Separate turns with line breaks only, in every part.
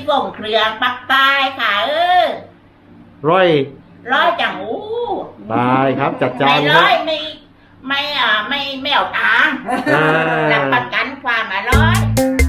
ส่งเครื่องปักใต้ค่ะ
ร้อย
จังอู้
ตายครับจัดจาน
ไม่ร้อยไม่เอาตังค์รับประกันความอร่อย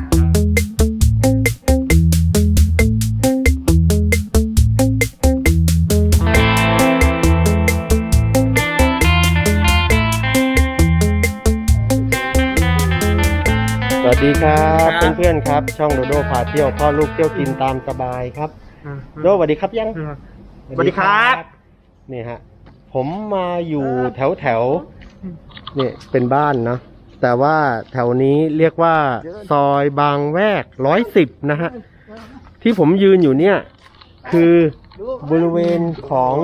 สวัสดีครับเพื่อนๆครับช่องโดโดพาเที่ยวพ่อลูกเที่ยวกินตามสบายครับโดสวัสดีครับยัง
สวัสดีครับ
นี่ฮะผมมาอยู่แถวนี่เป็นบ้านนะแต่ว่าแถวนี้เรียกว่าซอยบางแวก110นะฮะที่ผมยืนอยู่เนี่ยคือบริเวณของ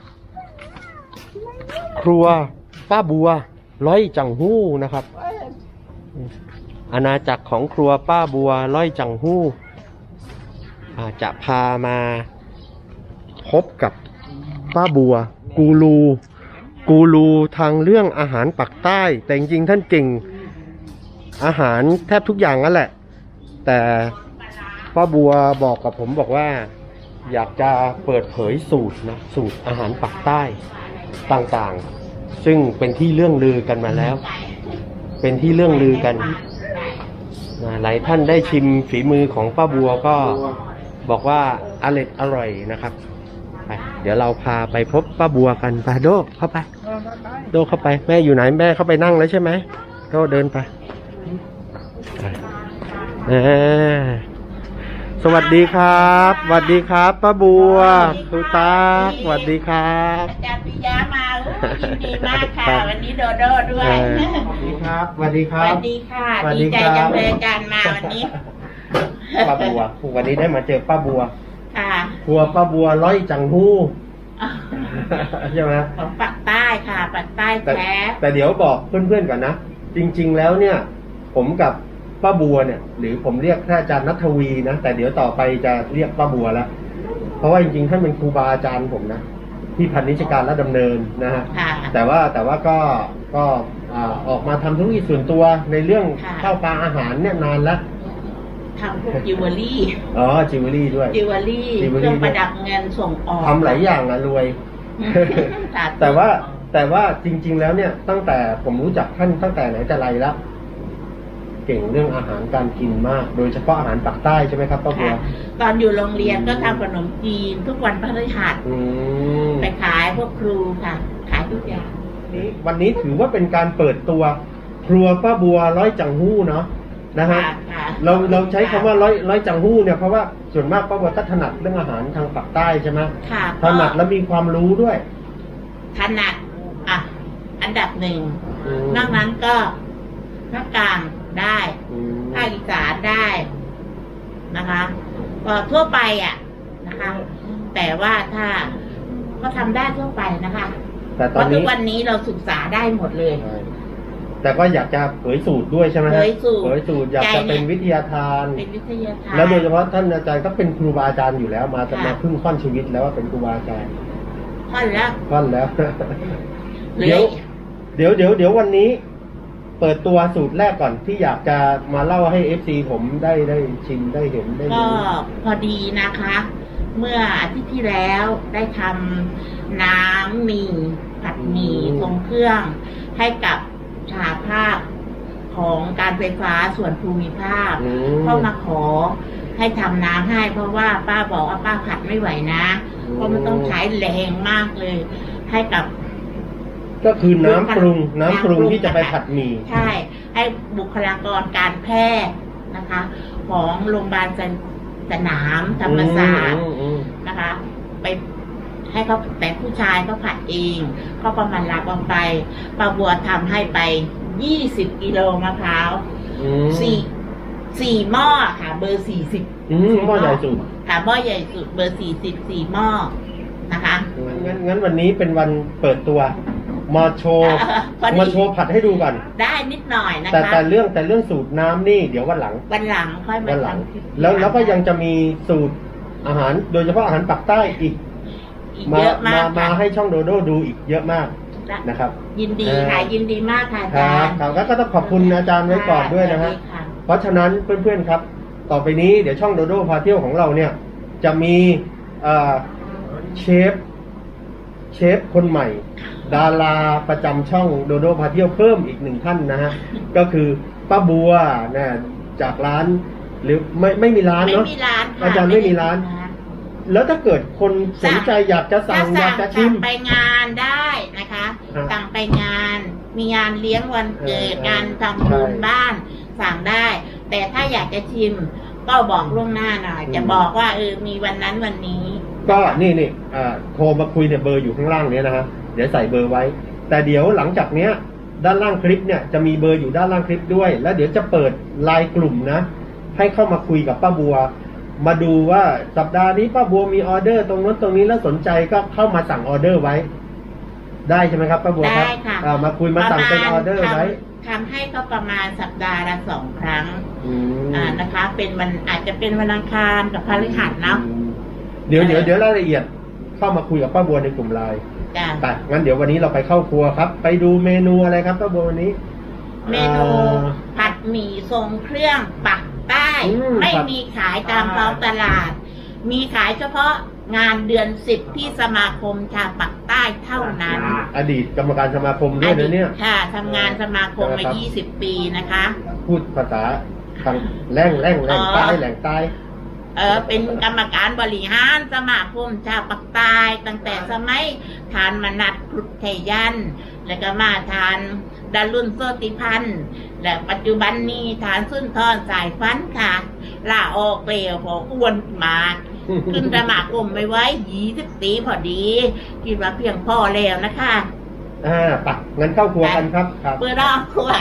ครัวป้าบัวร้อยจังหู้นะครับอาณาจักรของครัวป้าบัวร้อยจังหู้จะพามาพบกับป้าบัวกูรูทางเรื่องอาหารปักใต้แต่จริงๆท่านเก่งอาหารแทบทุกอย่างนั่นแหละแต่ป้าบัวบอกกับผมบอกว่าอยากจะเปิดเผยสูตรอาหารปักใต้ต่างๆซึ่งเป็นที่เรื่องลือกันมาแล้วเป็นที่เรื่องลือกันหลายท่านได้ชิมฝีมือของป้าบัวก็บอกว่าอร่อยนะครับไปเดี๋ยวเราพาไปพบป้าบัวกันไปโดเข้าไปแม่อยู่ไหนแม่เข้าไปนั่งแล้วใช่ไหมโดเดินไปสวัสดีครับสวัสดีครับป้าบัวครูตาสวัสดีครับ
อาจารย์ปิยะมายินดีมากค่ะวันนี้โดโดด้วย
สวัสดีครับสวัสดีครับ
สวัสดีค่ะดีใจจังเลยอาจารย์มาวันนี้
ป้าบัววันนี้ได้มาเจอป้าบัว
ค่ะ
ครัวป้าบัวร้อยจังหู้ใช่ไหม
ของปักใต้ค่ะปักใต้แท้
แต่เดี๋ยวบอกเพื่อนๆก่อนนะจริงๆแล้วเนี่ยผมกับป้าบัวเนี่ยหรือผมเรียกท่านอาจารย์ณัฐวีนะแต่เดี๋ยวต่อไปจะเรียกป้าบัวแล้วเพราะว่าจริงๆท่านเป็นครูบาอาจารย์ผมนะที่พันนิชการและดำเนินนะฮะแต่ว่าก็ออกมาทำธุรกิจส่วนตัวในเรื่องข้าวปลาอาหารเนี่ยนานแล้ว
ทำพวกจิวเวลรี่
จิวเวลรี่ด้วย
จิวเวลรี่เครื่องประดับเงินส่งออก
ทำหลายอย่างรวยแต่ว่าจริงๆแล้วเนี่ยตั้งแต่ผมรู้จักท่านตั้งแต่ไหนแต่ไรแล้วเก่งเรื่องอาหารการกินมากโดยเฉพาะอาหารปักใต้ใช่ไหมครับป้าบัว
ตอนอยู่โรงเรียนก็ทำขนมจีนทุกวันพฤหัสไปขายพวกครูค่ะขายทุกอย่าง
วันนี้ถือว่าเป็นการเปิดตัวครัวป้าบัวร้อยจังหู้เนาะนะฮะเราใช้คำว่าร้อยจังหู้เนี่ยเพราะว่าส่วนมากป้าบัวก็ถนัดเรื่องอาหารทางปักใต้ใช่ไหมถนัดและมีความรู้ด้วย
ถนัดอันดับหนึ่งนอกนั้นก็ภาคกลางได้ภาคอีสานได้นะคะก็ทั่วไปนะคะแต่ว่าถ้าก็ทำได้ทั่วไปนะคะ
แต่ตอนนี้
ทุกวันนี้เราศึกษาได้หมดเลย
แต่ก็อยากจะเผยสูตรด้วยใช่ไหม
เผยสูตร
อยากจะเป็นวิทยาทานแล้วโดยเฉพาะท่านอาจารย์ก็เป็นครูบาอาจารย์อยู่แล้วมาพึ่งค่อนชีวิตแล้วว่าเป็นครูบาอาจารย์
ค่อนแล้ว
เดี๋ยววันนี้เปิดตัวสูตรแรกก่อนที่อยากจะมาเล่าให้ FC ผมได้ชิมได้เห็นได้
ก็พอดีนะคะ เมื่ออาทิตย์ที่แล้วได้ทำน้ำหมี่ผัดหมี่ทรงเครื่องให้กับสหภาพของการไฟฟ้าส่วนภูมิภาคเข้ามาขอให้ทำน้ำให้เพราะว่าป้าบอกว่าป้าผัดไม่ไหวนะเพราะมันต้องใช้แรงมากเลยให้กับ
ก็คือน้ำปรุงที่จะไปผัดหมี่
ใช่ให้บุคลากรการแพทย์นะคะของโรงพยาบาลสนามธรรมศาสตร์นะคะไปให้เขาแต่ผู้ชายเขาผัดเองเขาประมาณรับออกไปป้าบัวทำให้ไป20 กิโลมะพร้าวสี่หม้อค่ะเบอร์40
หม้อใหญ่สุด
ค่ะหม้อใหญ่สุดเบอร์44หม้อนะคะ
งั้นวันนี้เป็นวันเปิดตัวมาโชว์ผัดให้ดูก่อน
ได้นิดหน่อยนะคะ
แต่เรื่องสูตรน้ำนี่เดี๋ยววันหลัง
ค่อยมาท
ำแล้วก็ยังจะมีสูตรอาหารโดยเฉพาะอาหารปักใต้อีกมาให้ช่องโดโดดูอีกเยอะมากนะครับ
ยินดีค่ะยินดีมากค่ะอาจารย์
ครับก็ต้องขอบคุณอาจารย์ไว้ก่อนด้วยนะฮะเพราะฉะนั้นเพื่อนๆครับต่อไปนี้เดี๋ยวช่องโดโดพาเที่ยวของเราเนี่ยจะมีเชฟคนใหม่ ดาราประจำช่องโดโดพาเที่ยวเพิ่มอีกหนึ่งท่านนะฮะก็คือป้าบัวนะจากร้านหรือไม่มีร้านเนาะ
ไม่มีร้านค่ะ
อาจารย์ไม่มีร้าน แล้วถ้าเกิดคนสนใจอยากจะสั่งอยากจะชิม
ไปงานได้นะคะ
อ่า
สั่งไปงานมีงานเลี้ยงวันเกิด
เออ
งานทำบุญ
ใช่
บ้านสั่งได้ แต่ถ้าอยากจะชิมก็บอกล่วงหน้าหน่อย จะบอกว่ามีวันนั้นวันนี้
ก็นี่โทรมาคุยเนี่ยเบอร์อยู่ข้างล่างเนี้ยนะฮะเดี๋ยวใส่เบอร์ไว้ แต่เดี๋ยวหลังจากเนี้ยด้านล่างคลิปเนี่ยจะมีเบอร์อยู่ด้านล่างคลิปด้วย แล้วเดี๋ยวจะเปิดไลน์กลุ่มนะให้เข้ามาคุยกับป้าบัว มาดูว่าสัปดาห์นี้ป้าบัวมีออเดอร์ตรงนั้นตรงนี้แล้วสนใจก็เข้ามาสั่งออเดอร์ไว้ ได้ใช่ไหมครับป้าบัวครับ
ได้ค่ะ
มาคุยมาสั่งเป็นออเดอร์ไว้
ทำให้ก็ประมาณสัปดาห์ละ2 ครั้ง
อืม
นะคะ เป็นวันอาจจะเป็นวันอังคารกับพฤหัสเนาะ
เดี๋ยวรายละเอียดเข้ามาคุยกับป้าบัวในกลุ่มไลน์
จ้ะ
ไปงั้นเดี๋ยววันนี้เราไปเข้าครัวครับ ไปดูเมนูอะไรครับป้าบัววันนี้
เมนูผัดหมี่ทรงเครื่องปักใต้ ไม่มีขายตามท้องตลาด มีขายเฉพาะงานเดือน10ที่สมาคมชาวปักใต้เท่านั้น
อดีตกรรมการสมาคมด้วยนะเนี่ย
ค่ะทำงานสมาคมมา
ครับ
20 ปีนะคะ
พูดภาษาทางแรงใต้แหล่งใต้
เป็นกรรมการบริหารสมาคมชาวปักใต้ตั้งแต่สมัยทานมนัดกรุไทยัน แล้วก็มาทานดารุนโซติพันธ์และปัจจุบันนี้ทานสุนทรสายฟันค่ะลาออกเกลียวพออ้วนมากขึ้นสมาคมไปไว้20 ปีพอดี คิดว่าเพียงพอแล้วนะคะ
ปักงั้นเข้าครัวกันครับครับ
เปิดรอบครัว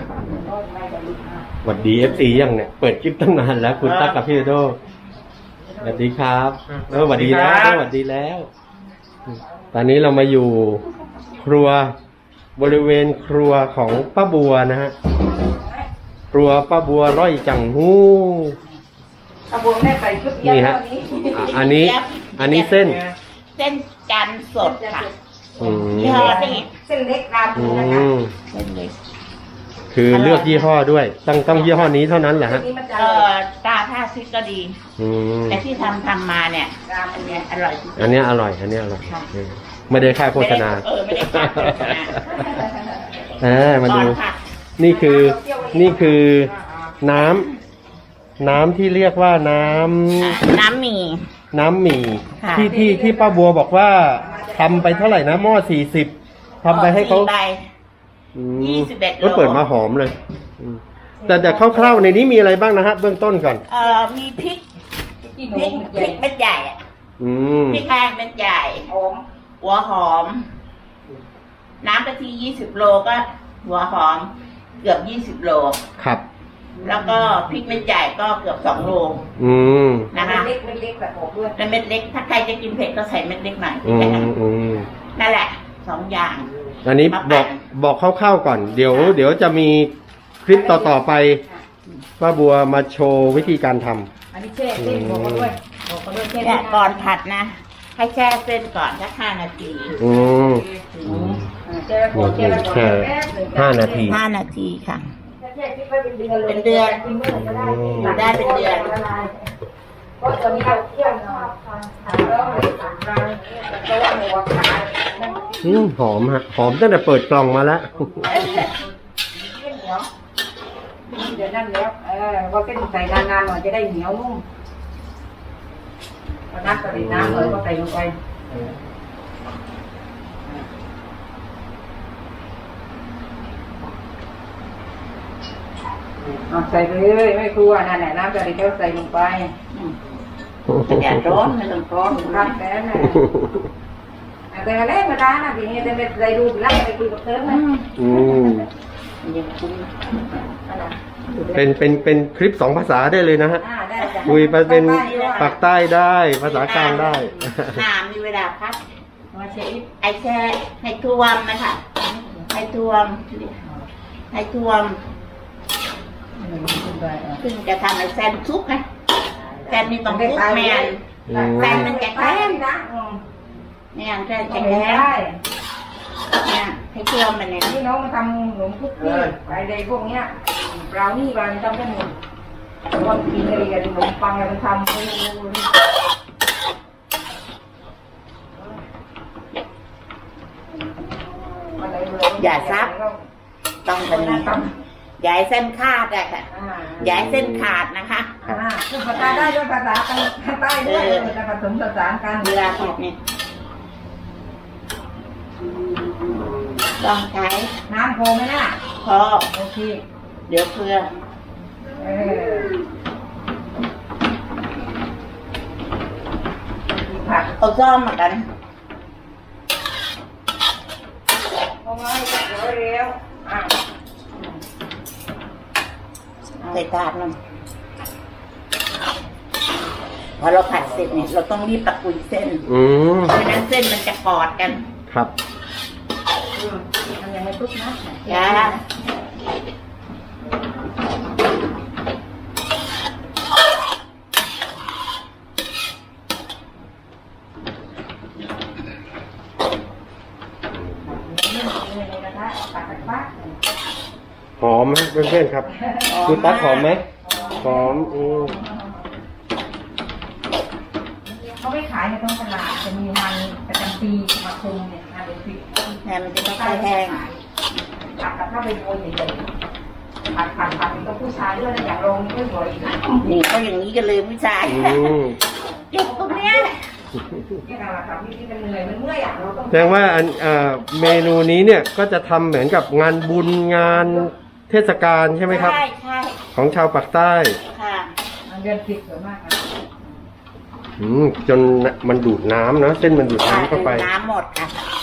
สวัสดี FC ยังเนี่ยเปิดคลิปตั้งนานแล้วคุณตั๊กกับพี่โดสวัสดีครับสวัสดีแล้วสวัสดีแล้ว ตอนนี้เรามาอยู่ครัวบริเวณครัวของป้าบัวนะฮะครัวป้าบัวร้อยจังหู้
เอาบัวแม่ใส่ชุดเยี่ย
นี่
ม
ฮะ
ตอนนี้
อันนี้เส้น
เส้นจันทร์สดค่ะ
อืม
ยี่ห้อนี้
เส้นเล็กรา
อื
บูนะคะ
ม
เส้นเล็ก
คือเลือกยี่ห้อด้วยต้องยี่ห้อนี้เท่านั้นแหละฮะ
นี่มันจะ
ตาท่าซิกก็ดี
อืม
แต่ที่ทำมาเนี่ย
ราบู
อัน
เนี่
เนี้
ย
ยอร่อยที่สุด
อันเนี้ยอร่อย อันเนี้ยอร่อย
ค่ะ
ไม่ได้ค่าโฆษณา
ไม่ได้ค่าโฆษณา
มาดู
ก่อนค่ะ
นี่คือน้ำที่เรียกว่าน้ำ
น้ำหมี่
หมี่
ค่ะ
ที่ป้าบัวบอกว่าทำไปเท่าไหร่นะหม้อ40ทำไปให้เขา
4 ใบ
อืม
21
ก็เปิดมาหอมเลยอืมแต่คร่าวๆในนี้มีอะไรบ้างนะฮะเบื้องต้นก่อน
มีพริก
ที่ห
พ
นู
ริกพริกเม็ดใหญ่อะ
อืม
พริกแห้งเม็ดใหญ่
หอม
หัวหอม น้ำกะทิ20 โลก็ หัวหอม เกือบ20 โล
ครับ
แล้วก็พริกเม็ดใหญ่ก็เกือบ2 โล
อืม
นะคะ
เล็กเล็กแบบหอมด้วย
แล้วเม็ดเล็ก ถ้าใครจะกินเผ็ดก็ใส่เม็ดเล็กหน่อย
อืมอืม
นั่นแหละ2 อย่าง
อันนี้บอกคร่าวๆก่อน เดี๋ยวจะมีคลิปต่อๆไปป้าบัวมาโชว์วิธีการทำ
อันนี้แช่เส้นบอกเขาด้วยบอกเขาด้วยแช่
เนี่
เส้
ย
น
ก่อนผัดนะ ให้แช่เส้นก่อนสัก5 นาที
อืม
แช่แล้วก่อนแช่แล้วก่อน
แช่
แป๊บหนึ่ง
5 นาที
5 นาทีค่ะ
แช่ทิ้งไว้เป็นเดือนเลย
เป็นเดือน
กินเมื่อไหร่ก็ได้
อยู่ได้เป็นเดือน
เพราะตอนนี้เราเที่ยวเนาะแล้วเลยสั่งร้านเพราะว่าหมูขายนั่น
หอมฮะหอมตั้งแต่เปิดกล่องมาแล้ว
เดี๋ยวนั่นแล้วก็เส้นใส่นานๆหน่อยจะได้เหนียวนุ่มก็นัดใส่น้ำเลยก็ใส่ลงไปใส่ไปเลยไม่กลัวนั่นแหละน้ำกะทิเท่าใส่ลงไป
แดดร้อนไม่ต้องร้อน
รักแค่นั้นแต่อะไรมาได้นะทีนี้จะไปใส่ดูแล้วไปคุยกับเธอไหม
อืม
ยังคุ้ม
เป็นคลิป2 ภาษาได้เลยนะฮะ
ได้จ้ะ
คุยไปเป็นปากใต้ได้ ภาษากลางได้
น้ำมีเวลาพัก
มาเช็ค
ไอแช่ให้ท่วมนะคะให้ท่วมซึ่งจะทำไอแซนซุปไงแซนนี่ต้องซุปแมนแซนมันจะแข็ง
นะ
แมนแซน
จะ
จะ
แข็
แข็
ง
ง
ได้
เนี่ยให้ท่วมมันเนี่ย
นี่น้องมาทำขนมคุกกี้อะไรพวกเนี้ยเรานี่เราทำได้หมด
อ
ว่ากินอะไรกันขนมปังอะไรมันทำไม่รู้
อย่าซับต้องเป็นอย่าให้เส้นขาดอะค่ะอย่าให้เส้นขาดนะคะ
พูดภาษาได้ด้วยภาษาใต้ด้วยจะผสมผสานกัน
เวลาผัดเนี่ยต้องใช้
น้ำโคไหมน่ะ
พอ
โอเค
เดี๋ยวเพื่อ
ผัก
เอาซ่อมมากัน
เอาไว้เร็ว
ใส่ถาดนึงพอเราผัดเสร็จเนี่ยเราต้องรีบตะกุยเส้น ไม่นั้นเส้นมันจะกอดกัน
ครับ
ทำยังไงปุ๊บนะ
จ้า
หอมไหมเพื่อนๆครับครูตั๊กหอมไหมหอม
เขาไม่ขายในท้องตลาดจะมีมันประจำปีมาคุมเนี่ยนะเดี๋ยวปิด
แหนมันจะไม่ค่อยแห้ง
ผัดกับถ้าเป็นโวยใหญ่ๆผัดกับผู้ชายด้วยนะอย่างโรงไม่สวยอีกนะ
นี่ก็อย่างนี้กันเลยผู้ชายเก็บตรงเนี้ย
นี่เราทำนี่มันเหนื่อยมันเมื่อยอ่ะเราต้อง
แสดงว่าเมนูนี้เนี่ยก็จะทำเหมือนกับงานบุญงานเทศกาลใช่ไหมครับ
ใช่ใช่
ของชาวปากใต้
ค่ะ
เดือน10สวยมากครับ
จนมันดูดน้ำเนาะเส้นมันดูดน้ำเข้าไป
น้ำหมดค่ะ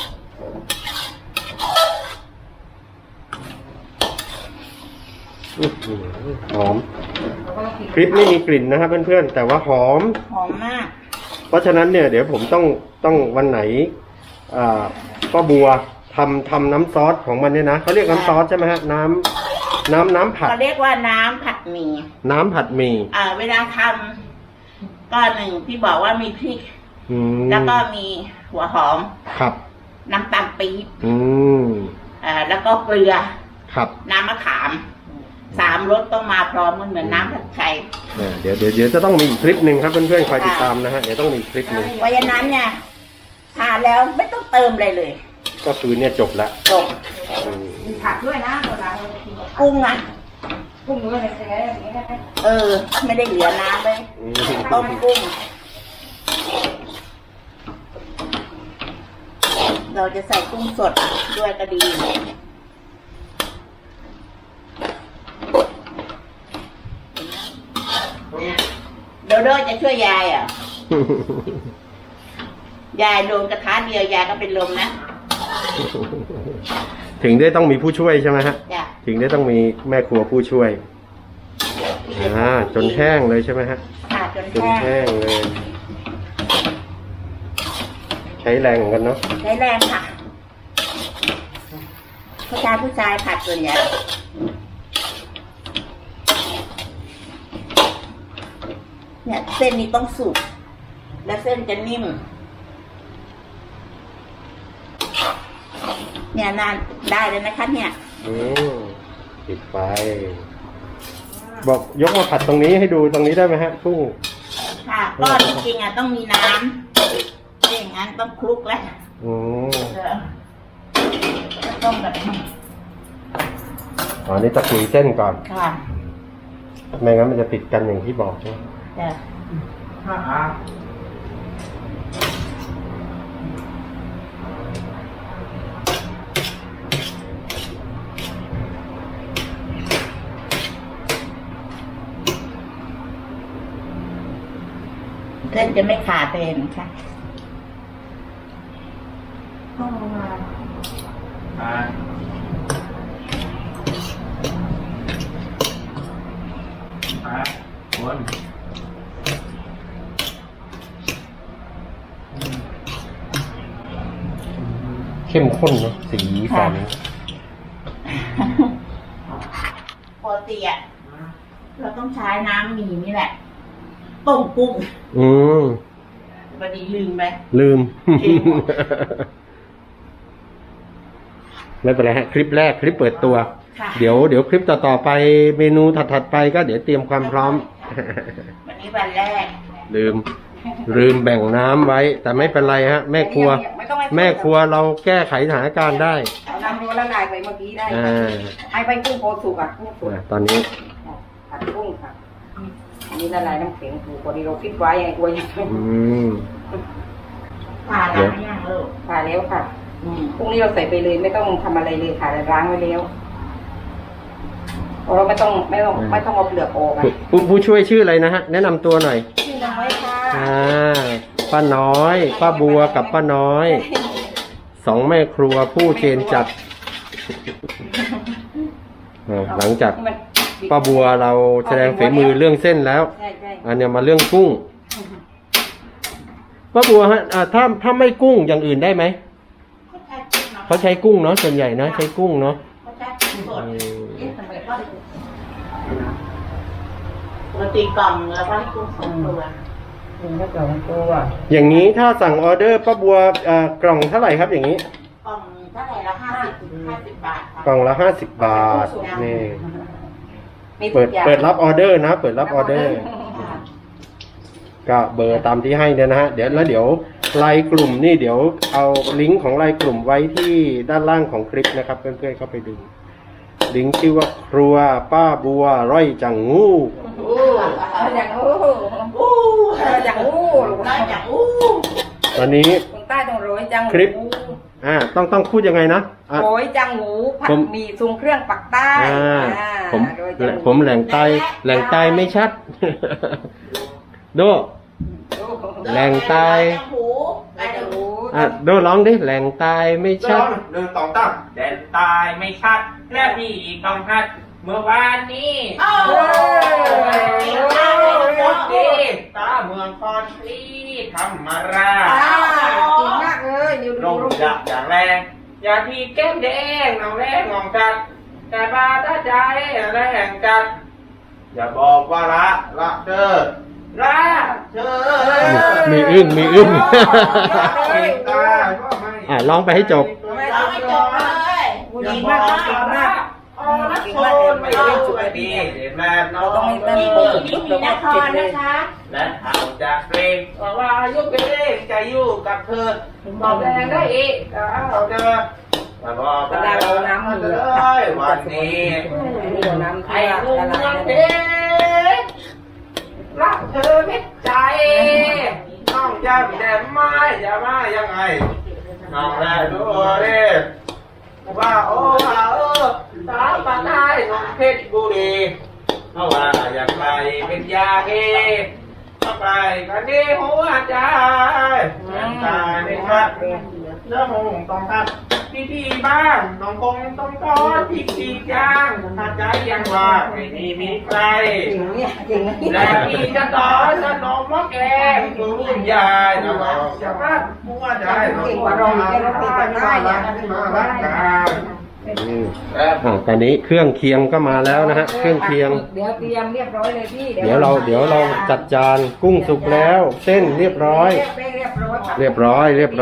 หอมคลิปไม่มีกลิ่นนะครับเพื่อนๆแต่ว่าหอม
หอมมาก
เพราะฉะนั้นเนี่ยเดี๋ยวผมต้องวันไหนป้าบัวทำน้ำซอสของมันเนี่ยนะเขาเรียกน้ำซอสใช่ไหมฮะน้ำผัด
เขาเรียกว่าน้ำผัดหมี่
น้ำผัดหมี่
เวลาทำก็หนึ่งที่บอกว่ามีพริก แล้วก็มีหัวหอม
ครับ
น้ำตาลปี๊บ
ม
แล้วก็เกลือ
ครับ
น้ำมะขาม3 รสต้องมาพร้อมมันเหมือนน้ำผัดไทย
เดี๋ยวจะต้องมีอีกคลิปหนึ่งครับเพื่อนๆคอยติดตามนะฮะเดี๋ยวต้องมีอีกคลิปหนึ่ง
เพราะฉะนั้นเนี่ยทานแล้วไม่ต้องเติมอะไรเลย
ก็คือเนี่ยจบละ
จบ
มีผักด้วยนะเวลาเรากิน
กุ้งอ่ะ
กุ้งด้วยอะไรอย่างเงี้ยนะ
ไม่ได้เหลือน้ำเลย
อืม
ต้มกุ้ง เราจะใส่กุ้งสดด้วยก็ดีโดโดจะช่วยยายอ่ะ ยายโดนกระทะเดียวยายก็เป็นลมนะ
ถึงได้ต้องมีผู้ช่วยใช่ไหมฮะ
จ้ะ
ถึงได้ต้องมีแม่ครัวผู้ช่วยจนแห้งเลยใช่ไหมฮะ
ค่ะจน
จน
แห้ง
แห้งเลย ใช้แรงเหมือนกันเนาะ
ใช้แรงค่ะผู้ชายผัดส่วนใหญ่เนี่ยเส้นนี้ต้องสุกและเส้นจะนิ่มเนี่ยนานได้เลยนะคะเนี่ย
ปิดไฟบอกยกมาผัดตรงนี้ให้ดูตรงนี้ได้ไหมฮะกุ้ง
ค่ะก็จริงๆอ่ะต้องมีน้ำอย่างนั้นต้องคลุกแล้วต้องแบบนี้
นี่ตะกุยเส้นก่อน
ค่ะ
ไม่งั้นมันจะติดกันอย่างที่บอกใช่ไหม
จ้ะ เส้นจะไม่ขาดเลยนะคะต้องมา
เข้มข้นเนาะสีสัน
ปกติอ่ะเราต้องใช้น้ำหมี่นี่แหละต้มกุ้งพอดีลืมไป
ลืม
จริง
ไม่เป็นไรฮะคลิปแรกคลิปเปิดตัว
ค่ะ
เดี๋ยวคลิปต่อๆไปเมนูถัดๆไปก็เดี๋ยวเตรียมความพร้อม
ค่ะวันนี้วันแรก
ลืมแบ่งน้ำไว้ แต่ไม่เป็นไรฮะ แม่ครัว
ไม่ต้องให้
แม่ครัวเราแก้ไขสถานการณ์ได้
เอาน้ำร้อนละลายไปเมื่อกี้ได้
อ่า
ให้ไปกุ้งโพสุกอ่ะกุ้งสุก
ตอนนี้
ผัดกุ้งค่ะอันนี้ละลายน้ำแข็งถูกพอดีเราคิดไว้ไงกลัวยัง
อืม
ผ่าล้างยังลูก
ผ่าแล้วค่ะพรุ่งนี้เราใส่ไปเลยไม่ต้องทำอะไรเลยค่ะล้างไว้แล้วเพราะเราไม่ต้องเอาเปลือกออกอ่ะ
ผู้ช่วยชื่ออะไรนะฮะ แนะนำตัวหน่อย
ชื่อน้อยค่ะ
ป้าน้อย ป้าบัวกับป้าน้อย สองแม่ครัวผู้เจนจัดหลังจากป้าบัวเราแสดงฝีมือเรื่องเส้นแล้ว
ใช่ใช่
อันเนี้ยมาเรื่องกุ้ง ป้าบัวฮะถ้าไม่กุ้งอย่างอื่นได้ไหม เขาใช้กุ้งเนาะส่วนใหญ่นะใช้กุ้งเนาะ
เขาใช้กุ้งสดปกติกล่องแล้วก็ให้กุ้งสดตัว
นี่ก็เกลือตัว
อย่างนี้ถ้าสั่งออเดอร์ป้าบัวกล่องเท่าไหร่ครับอย่างนี้
กล่องเท่าไหร่ละ50 บาทค่ะ
กล่องละ50 บาทนี่
มีทุ
เปิ
ก
ด
อย่าง
เปิดรับออเดอร์นะ เปิดรับออเดอร์ ก็เบอร์ตามที่ให้เนี่ยนะฮะเดี๋ยวไลน์กลุ่มนี่เดี๋ยวเอาลิงก์ของไลน์กลุ่มไว้ที่ด้านล่างของคลิปนะครับ เพื่อนๆเข้าไปดูลิงก์ชื่อว่าครัวป้าบัวร้อยจังงู
อย่างอู้อย่างอู้
ได้จากอู้
ตอนนี้
คนใต้ต้องโรยจัง
คลิป ต้องพูดยังไงนะอ่ะ
โรยจังหูผัดหมี่ทรงเครื่องปักใต้
ผมแหล่งใต้ไม่ชัด โดแหล่งใต้
หูได้จากหู
โดร้องดิแหล่งใต้ไม่ชัด
แดนตายไม่ชัดและพี่ต้องหัด เมื่อวานนี้
โอ้
รถดีตาเมืองคอนทรีธรรมราช
จริงมากเลยนิว
ล
ดู
ง
รูป
ดักอย่างแรง อย่าทีแก้มแดงน้องแรงงองกัด แต่บาตาใจแรงกัด อย่าบอกว่าละเด้อละเด้อ
มีอึ้ง
ตาก็ไม่
ร้องไปให้จบ
เราไม่จบเลย
ดีมากเก่งมาก
อ๋อนักโทษไม่ได้ช่วยดีแม่น้อง
นี่มีนครนะคะ
และเอาจากเกรงว่ายุเกรงจะอยู่กับเธอบอกแรงได้อีกเอาเธอมาบอก
เราน้ำมือ
เลยวันนี้
น้ำ
ไอ้
ที่
ลุง
ละลา
เมือง
ย
เพชรรักเธอเม็ดใจน้องจำแต่ไม่จะมายังไงน้องได้ดูดิว่าโอ้สาวปากใต้น้องเพชรบุรีเพราะว่าอยากไปเป็นยาเกต้องไปกันดีหัวใจตายในคัดเนื้อหงต้องคัดพี่บ้านน้องคงต้องทอดพี่ย่างถ้าใจยังว่าไม่มีใคร
จริงเนี่ยจริง
และพี่จะสอนขนมหม้อแกงรุ่นยายนะว่าจะมาหัวใจ
ตอนนี้เครื่องเคียงก็มาแล้วนะฮะเครื่องเคียง
เดี๋ยวเตรียมเรียบร้อยเลยพี่
เดี๋ยวเราจัดจานกุ้งสุกแล้ว เส้นเรียบร้อย เรียบร้อย
เลยเนี่ย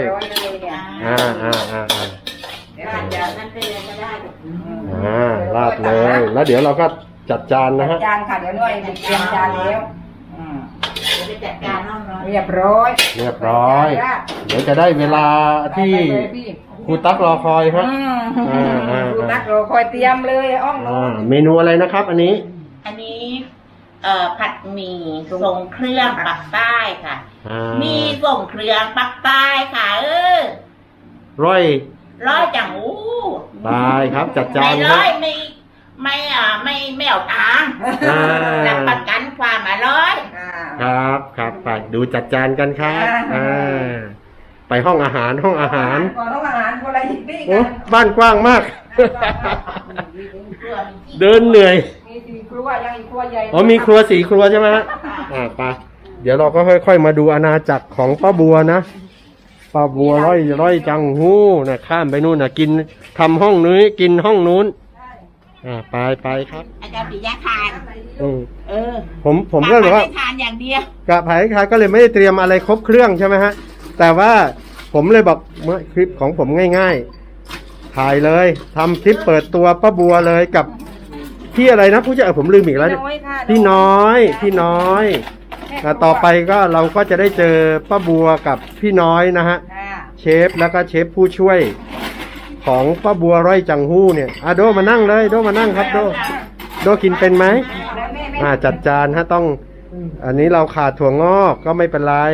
นั่นเป็นเลยก็ได้
ราดเลย แล้วเดี๋ยวเราก็จัดจานนะฮะ
จานค่ะเดี๋ยวหน่อยเตรียมจานแล้ว
เดี๋ยวไปจัดการห้องนอน
เรียบร้อย
เรียบร้อย เดี๋ยวจะได้เวลาที่ครูตั๊กรอคอยครับ
ดูนักเราคอยเตรียมเลยอ้อม
เมนูอะไรนะครับ อันนี้
อันนี้ผัดหมี่ทรงเครื่องปักใต้ค่ะ มีส่งเครื่องปักใต้ค่ะ
ร้อย
จังอู้
ตายครับ จัดจาน
ไม่
ค
ร้
รั
อบ ยไม่เอาตังค์รับประกันความอร่อย
ครับไปดูจัดจานกันครับไปห้องอาหาร
ก่อนห้องอาหารคนละหิบนี่
โอ้
กัน
บ้านกว้างมาก เดินเหนื่อย
มีสี่ครัวยังอีกครัวใหญ่
มีครัว4 ครัวใช่ไหมฮะไปเดี๋ยวเราก็ค่อยๆมาดูอาณาจักรของป้าบัวนะป้าบัวร้อยจังหู้นะข้ามไปนู่นนะกินทำห้องนี้กินห้องนู้นไปครับ
อาจารย์ปิยะทาน
ผมก็เลยว่า
ทานอย่างเดียว
กะไผ่คายก็เลยไม่ได้เตรียมอะไรครบเครื่องใช่ไหมฮะแต่ว่าผมเลยบอกเมื่อคลิปของผมง่ายๆถ่ายเลยทำคลิปเปิดตัวป้าบัวเลยกับพี่อะไรนะผู้ช่วยผมลืมอีกแล้วเนี่ย
น้อยค่ะ
พี่น้อยพี่น้อยต่อไปก็เราก็จะได้เจอป้าบัวกับพี่น้อยนะฮะ
ค่ะ
เชฟแล้วก็เชฟผู้ช่วยของป้าบัวร้อยจังหู้เนี่ยโดมานั่งเลยโดมานั่งครับโดกินเป็นไหม
แล้วแม่
จัดจานฮะต้อง อันนี้เราขาดถั่วงอกก็ไม่เป็นไร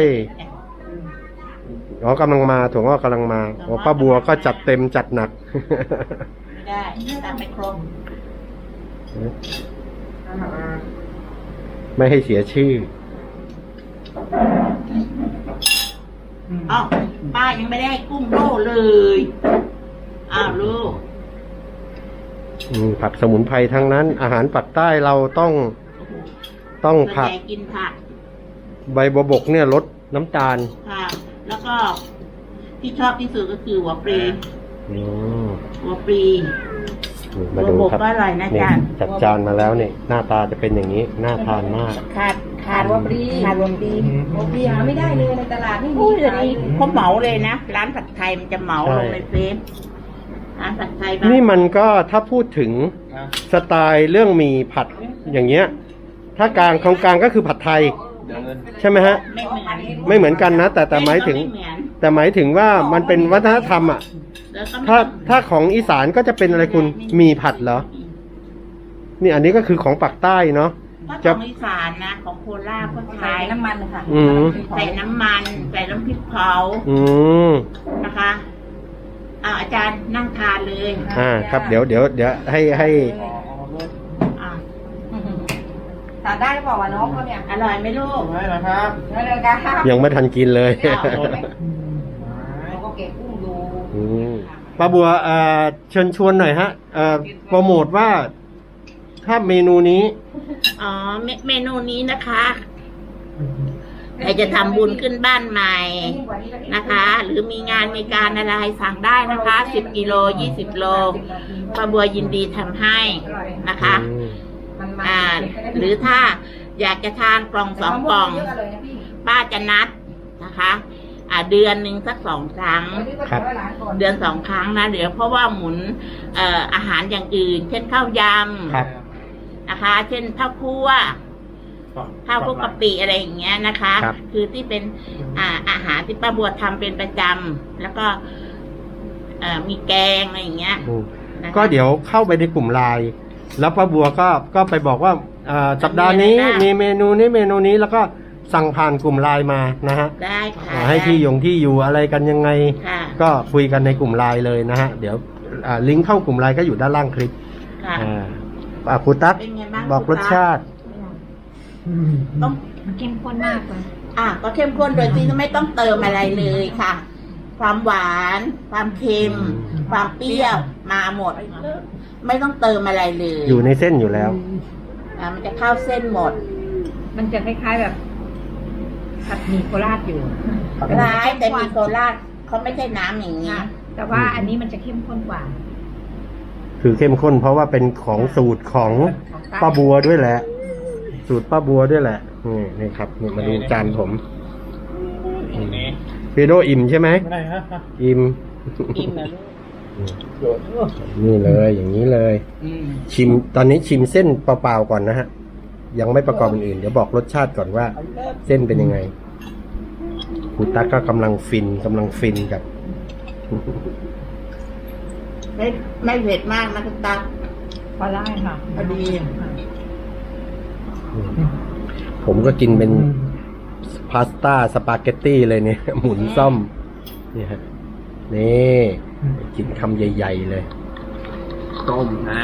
กำลังมาถั่วงอกกำลังมาป้าบัวก็จัดเต็มจัดหนัก
ไม่ได้ตามไปครบ
ไม่ให้เสียชื่อ
อ้าวป้ายังไม่ได้ให้กุ้งโลเลยอ้าวลูก
ผักสมุนไพรทั้งนั้น อาหารปักใต้เราต้องผัก
ส่วนใหญ่กินผัก
ใบบัวบกเนี่ยลดน้ำตาล
ค่ะ แล้วก็ที่ชอบที่สุดก็คือหัวปลี
อืม
หัวปลี
มาดูครับ
บัวบกก็อร่อยนะ
นี่
จ๊ะ
จัดจานมาแล้วนี่หน้าตาจะเป็นอย่างนี้น่าทานมาก
ขาดหัวปลีขาดหัวปลี
โอเคหาไม่ได้เลยในตลาดไม่มี
อุ้ยเดี๋ยว
ขาย
นี้เขาเหมาเลยนะ ร้านผัดไทยมันจะเหมา
ใช่
ลงในเฟซร้านผัดไทยบ้าง
นี่มันก็ถ้าพูดถึงสไตล์เรื่องหมีผัดอย่างเงี้ย ถ้ากลางของกลางก็คือผัดไทย ใช่ไหมฮะ
ไม่เหมือน
ไม่เหมือนกันนะ แต่หมายถึง
ไม่เหมือน
แต่หมายถึงว่ามันเป็นวัฒนธรรมอ่ะ
แล้วก็ไม่
ถ้าของอีสานก็จะเป็นอะไรคุณหมีผัดเหรอ นี่อันนี้ก็คือของปากใต้เนาะ
ถ้า
จะ
ของอีสานนะ ของโคราชก็
ใส่
ใช้
น้ำมันค่ะ
อืม
ใส่น้ำมัน ใส่น้ำพริกเผา
อืม
นะคะอาจารย์นั่งทานเลย
ครับเดี๋ยวให้
อ่า
ทานได้หรือเปล่าวะน้องเขาเนี่ย
อร่อยไหมลูก
ไม่หรอครับ
ได้เลยค่ะ
ยังไม่ทันกินเลย
เราก็เก็บกุ้งดู
อืมป้าบัวเชิญชวนหน่อยฮะโปรโมทว่าถ้าเมนูนี้
อ๋อเมนูนี้นะคะใครจะทำบุญขึ้นบ้านใหม่นะคะ หรือมีงานมีการอะไรสั่งได้นะคะ10 กิโล 20 โลป้าบัวยินดีทำให้นะคะ หรือถ้าอยากจะทานกล่อง2 กล่อง ป้าจะนัดนะคะเดือนหนึ่งสัก2 ครั้ง
ครับ
เดือน2 ครั้งนะเดี๋ยวเพราะว่าหมุนอาหารอย่างอื่น เช่นข้าวย
ครับ
ำนะคะ เช่นข้าวคั่วข้าวคลุกกะปิอะไรอย่างเงี้ยนะคะ
ครับ
คือที่เป็นอาหารที่ป้าบัวทำเป็นประจำแล้วก็มีแกงอะไรอย่างเงี้ย
อืม
นะคะ
ก็เดี๋ยวเข้าไปในกลุ่มไลน์แล้วป้าบัวก็ไปบอกว่าสัปดาห์นี้มีเมนูนี้แล้วก็สั่งผ่านกลุ่มไลน์มานะฮะ
ได้ค่ะ
ให้ที่อยู่อะไรกันยังไง
ค่ะ
ก็คุยกันในกลุ่มไลน์เลยนะฮะเดี๋ยวลิงก์เข้ากลุ่มไลน์ก็อยู่ด้านล่างคลิป
ค่ะ
ครูตั๊ก
เป็นไงบ้าง
บอกรสชาติ
ต้อง
เข้มข้นมากเลย
ก็เข้มข้นโดยที่ไม่ต้องเติมอะไรเลยค่ะ ความหวาน ความเค็ม ความเปรี้ยวมาหมด ไม่ต้องเติมอะไรเลย
อยู่ในเส้นอยู่แล้ว
มันจะเข้าเส้นหมด
มันจะคล้ายๆแบบผัดหมี่โคราชอยู่
ร้ายแต่มีโคราชเขาไม่ใช่น้ำอย่างนี้
แต่ว่าอันนี้มันจะเข้มข้นกว่า
คือเข้มข้นเพราะว่าเป็นของสูตรของป้าบัวด้วยแหละ สูตรป้าบัวด้วยแหละนี่ครับนี่มาดูจานผมพีโดอิ่มใช่ไหม
ไม่ได้ฮะ
อิ่ม
อิ่มเหรอลูก
นี่เลยอย่างนี้เลย ชิมตอนนี้ชิมเส้นเปล่าๆก่อนนะฮะ ยังไม่ประกอบอื่นๆเดี๋ยวบอกรสชาติก่อนว่า เส้นเป็นยังไงครูตั๊กก็กำลังฟินกับ
ไม่เผ็ดมากนะคุณตา
พอได้ค่ะ
พอดี
ผมก็กินเป็นพาสต้าสปาเกตตี้เลยเนี่ย หมุนซ่อมนี่ฮะนี่กินคำใหญ่ๆเลย
ต้มนะ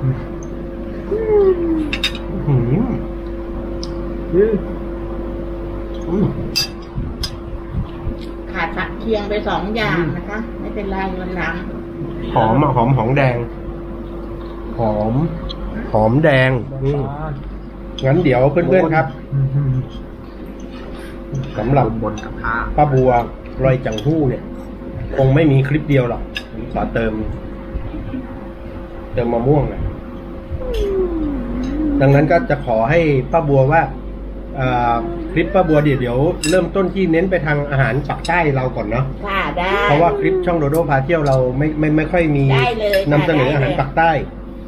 ขาดผักเคียงไป2 อย่างนะคะ ไม่เป็นไรวันหลัง
หอมอะหอมแดง หอมแดงงั้นเดี๋ยวเพื่อนๆครับสำหรับบนกับผ้าป้าบัวรอยจังหู้เนี่ย คงไม่มีคลิปเดียวหรอกผมขอเติมมะม่วงนะดังนั้นก็จะขอให้ป้าบัวว่าคลิปป้าบัวเดี๋ยวเริ่มต้นที่เน้นไปทางอาหารปักใต้เราก่อนเนาะ
ค่ะได้
เพราะว่าคลิปช่องโดโดพาเที่ยวเราไม่ค่อยมี
ได้เลย
นำเสนออาหารปักใต้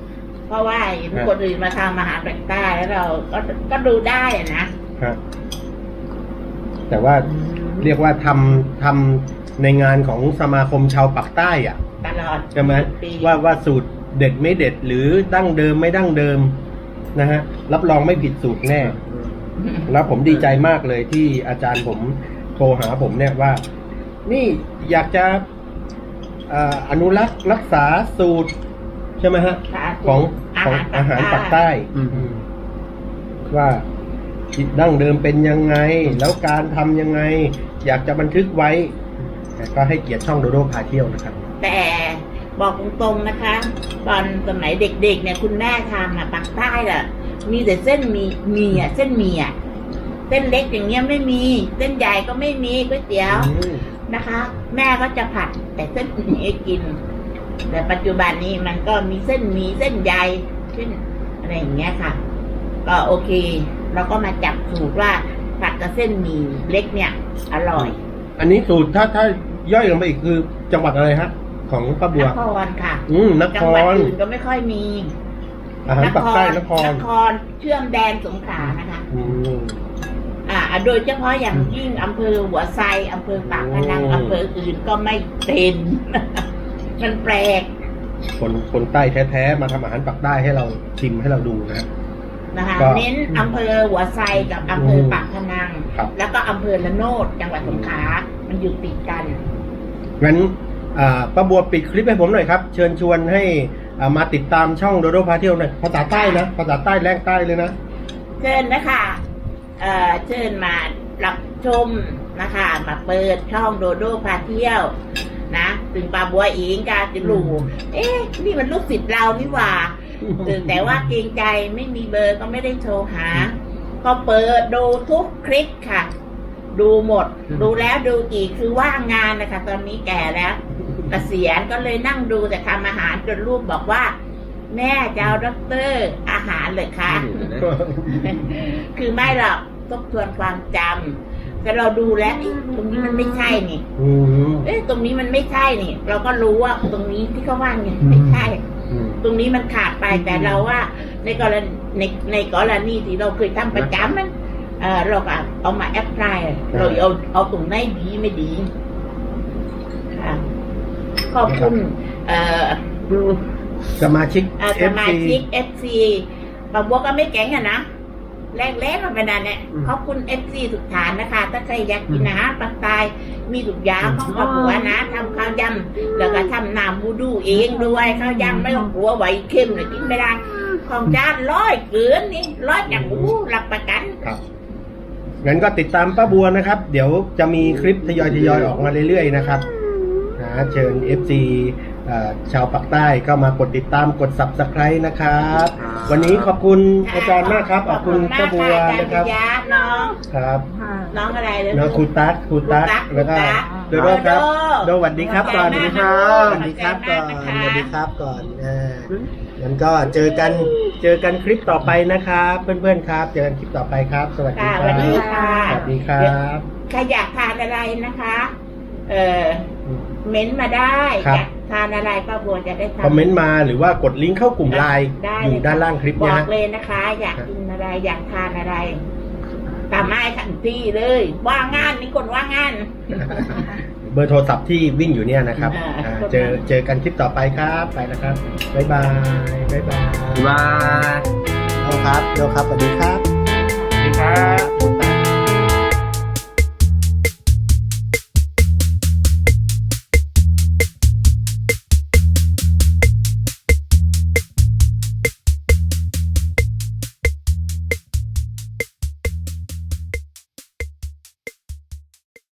เพราะว่าเห็นคนอื่นมาทำอาหารแปลกใต้แล้วเราก็ดูได้อะนะ
ครับแต่ว่าเรียกว่าทำในงานของสมาคมชาวปากใต้อ่ะ
ตลอด
ใช่ไหม
ปี
ว่าสูตรเด็ดไม่เด็ดหรือดั้งเดิมไม่ดั้งเดิมนะฮะรับรองไม่ผิดสูตรแน่ แล้วผมดีใจมากเลยที่อาจารย์ผมโทรหาผมเนี่ยว่า นี่อยากจะอนุรักษ์รักษาสูตรใช่ไหมฮะ
ค่ะ
ของอาหารปากใต้ ว่าดั้งเดิมเป็นยังไง แล้วการทำยังไง อยากจะบันทึกไว้แต่ก็ให้เกียรติช่องโดโดพาเที่ยวนะครับ
แต่บอกตรงๆนะคะ ตอนสมัยเด็กๆเนี่ยคุณแม่ทำปากใต้อะมีแต่เส้นมีอะเส้นหมี่อะเส้นเล็กอย่างเงี้ยไม่มีเส้นใหญ่ก็ไม่มีก๋วยเตี๋ยวนะคะ แม่ก็จะผัดแต่เส้นหมี่ให้กิน แต่ปัจจุบันนี้มันก็มีเส้นหมี่เส้นใหญ่เส้นอะไรอย่างเงี้ยค่ะ ก็โอเคเราก็มาจับสูตรว่าผัดกับเส้นหมี่เล็กเนี่ย อร่อย
อันนี้สูตรถ้าย่อยลงไปอีกคือจังหวัดอะไรฮะของป้าบั
น
ว
ครค่ะ
นค
จังหวัด
ร
อื่นก็ไม่ค่อยมี
อาหารปากใต้นคร
นครเชื่อมแดนสงขลานะคะ
อืม
โดยเฉพาะอย่างยิ่งอำเภอหัวไซอำเภอปากพนัง
โอ้
อำเภออื่นก็ไม่เป็น มันแปลก
คนใต้แท้ๆมาทำอาหารปากใต้ให้เราชิมให้เราดูนะ
นะคะ
ก็
เน้นอำเภอหัวไซกับอำเภอปากพนัง
ครับ
แล้วก็อำเภอละโนดจังหวัดสงขลามันอยู่ติดกัน
งั้นป้าบัวปิดคลิปให้ผมหน่อยครับ เชิญชวนให้มาติดตามช่องโดโดพาเที่ยวหน่อยภาษาใต้นะภาษาใต้แรงใต้เลยนะ
เชิญนะคะเชิญมารับชมนะคะ มาเปิดช่องโดโดพาเที่ยวนะถึงปาบัวเองกาจะรู้นี่มันลูกศิษย์เรานี่หว่าแต่ว่าเกรงใจไม่มีเบอร์ก็ไม่ได้โทรหา ก็เปิดดูทุกคลิปค่ะ ดูหมด ดูแล้วดูอีกคือว่างงานนะคะ ตอนนี้แก่แล้วเกษียณก็เลยนั่งดูแต่ทำอาหารจนลูกบอกว่า แม่จะเอาด็อกเตอร์อาหารเลยค่ะ คือไม่หรอกทบทวนความจำแต่เราดูแล้วตรงนี้มันไม่ใช่นี่
อืม
ตรงนี้มันไม่ใช่นี่ เราก็รู้ว่าตรงนี้ที่เขาว่าเนี่ยไม่ใช่ ตรงนี้มันขาดไปแต่เราว่าในกรณีในกรณีที่เราเคยทำประจำมันเราก็เอามาแอพพลายเราเอาตรงไหนดีไม่ดีค่ะขอบคุณดู
สมาชิก
สมาชิก FC บางบัวก็ไม่แข็งอะนะแรกๆมันเป็นนั่นเนี่ยขอบคุณ FC ทุกฐานนะคะ ถ้าใครอยากกินอาหารปากใต้มีทุกอย่างของป้าบัวนะทำข้าวยำแล้วก็ทำน้ำบูดูเองด้วยข้าวยำไม่ต้องกลัวไหวเค็มเลยกินไม่ได้ของจาน100เกินนี่100จากบูรับประกัน
ครับงั้นก็ติดตามป้าบัวนะครับ เดี๋ยวจะมีคลิปทยอยออกมาเรื่อยๆนะครับนะเชิญ FC ชาวปากใต้ก็มากดติดตามกด Subscribe นะครับ วันนี้ขอบคุณอาจารย์มากครับขอบคุณป้าบัวนะครับ
ยาน้อง
ครับ
น้องอะไรเลย
น้องครูตั๊กแล้วก็โดโดครับโดสวัสดีครับก่อนสวัสดีครับสวัสดีครับก่อนสวัสดีครับก่อนงั้นก็เจอกันคลิปต่อไปนะครับเพื่อนๆครับเจอกันคลิปต่อไปครับ สวัสดี
ค่ะ
ค
สวั
รั
สดี
บ
ค่ะ
สวัสดีครับ
ใครอยากทานอะไรนะคะ เม้นต์มาได้
ครับ
อยากทานอะไรป้าบัวจะได้
คอม
ทำ
เมนต์มาหรือว่ากดลิงก์เข้ากลุ่มไลน์
ได้
อยู่ด้านล่างคลิป
บ
นะ
อก
ฮะ
เลยนะคะ อยากกินอะไร อยากทานอะไรตามให้ทันทีเลย ว่างงานนี่คนว่างงาน
เบอร์โทรศัพท์ที่วิ่งอยู่เนี่ยนะครับ เจอกันคลิปต่อไปครับไปแล้วครับบ๊ายบายบ๊ายบาย
มา
เอาครับสวัสดีครับ
สวัสดีครับ